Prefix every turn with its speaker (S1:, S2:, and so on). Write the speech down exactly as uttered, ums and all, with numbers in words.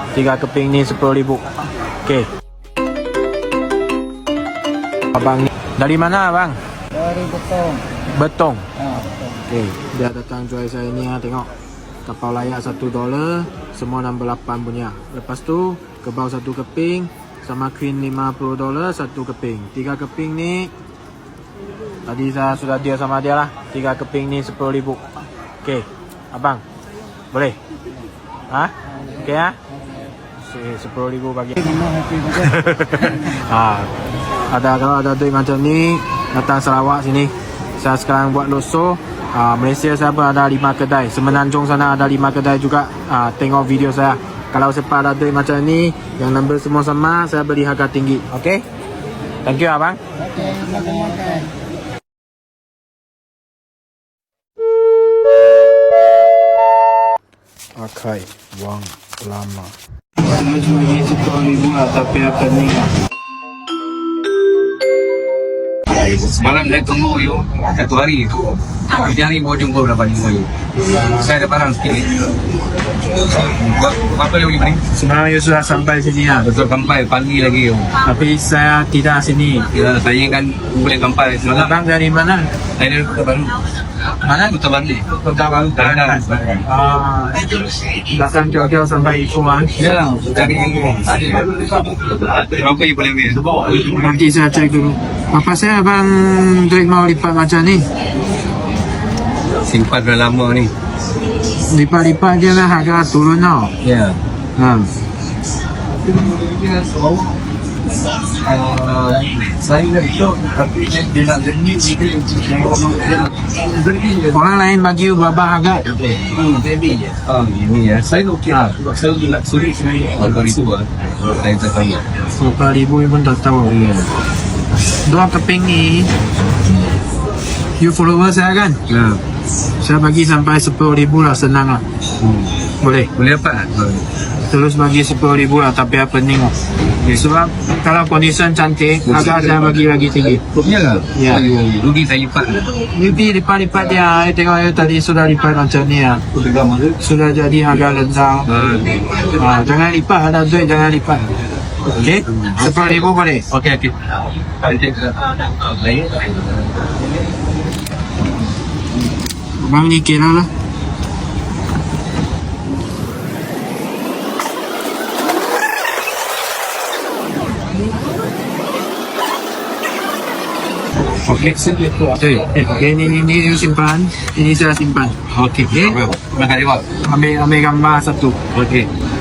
S1: Tiga keping ni sepuluh ribu. Okey. Abang ni dari mana abang?
S2: Dari Betong.
S1: Betong.
S2: Ha, Betong.
S1: Okey, dia datang jual saya ni ha, tengok. Kapau layak satu dolar, semua nombor lapan punya. Lepas tu kebau satu keping sama queen lima puluh dolar satu keping. Tiga keping ni tadi saya sudah deal sama dia lah. Tiga keping ni sepuluh ribu. Okey, abang boleh? Ha? Okey ha? sepuluh ribu bagi. ha, ada kalau ada duit macam ni datang Sarawak sini. Saya sekarang buat loso. ha, Malaysia saya pun ada lima kedai. Semenanjung sana ada lima kedai juga. ha, Tengok video saya. Kalau siapa ada duit macam ni yang nombor semua sama, saya beli harga tinggi. Okey, thank you abang.
S2: Okey, makan-makan.
S1: Pakai wang lama. Cuma ni sepuluh ribu lah, tapi apa ni lah.
S3: Semalam saya tunggu you satu hari. Tiga hari baru jumpa berapa jumpa you. Saya ada barang sikit. Apa yang beli?
S1: Semalam you sudah sampai sini lah.
S3: Betul sampai pagi lagi you.
S1: Tapi saya tidak sini.
S3: Ya, saya kan boleh sampai semalam.
S1: Abang dari mana?
S3: Saya dari Kota Baru.
S1: Mana?
S3: Kota Baru.
S1: Kota Baru.
S3: Terangan.
S1: Ah, belakang Jogja sampai Ikuan.
S3: Ya, cari berapa you boleh ambil?
S1: Nanti saya cek dulu. Apa saya abang duit mau lipat macam ni?
S3: Simpan dah lama ni.
S1: Lipat-lipat je lah harga turun tau.
S3: Ya.
S1: Ha.
S3: Uh, saya nak show tapi dia nak jenis sikit.
S1: Orang lain bagi you berapa harga?
S3: Hmm, baby je. Ah, ini ya. Saya okey lah. Saya nak sulit sebenarnya. Harga itu lah. Saya tak tahu.
S1: Berapa ribu you pun tak tahu. Dua keping ni you follower saya kan?
S3: Ya.
S1: Saya bagi sampai sepuluh ribu lah, senang lah.
S3: Hmm.
S1: Boleh?
S3: Boleh apa?
S1: Terus bagi sepuluh ribu lah, tapi apa pening lah. Sebab kalau condition cantik, harga saya bagi lagi tinggi.
S3: Rupanya lah?
S1: Ya.
S3: Rugi saya lipat.
S1: Lebih lipat-lipat dia. Saya tengok you tadi sudah lipat macam ni lah. Sudah jadi harga rendah. Ha, jangan lipat, ada duit jangan lipat. Okey? Sepuluh ribu boleh?
S3: Okey, okey.
S1: Bang ni kira lah. Okey, okey. Okey, ni ni ni you simpan, ini saya simpan.
S3: Okey.
S1: Okey.
S3: Terima kasih, Pak.
S1: Ambil ambil gambar satu.
S3: Okey.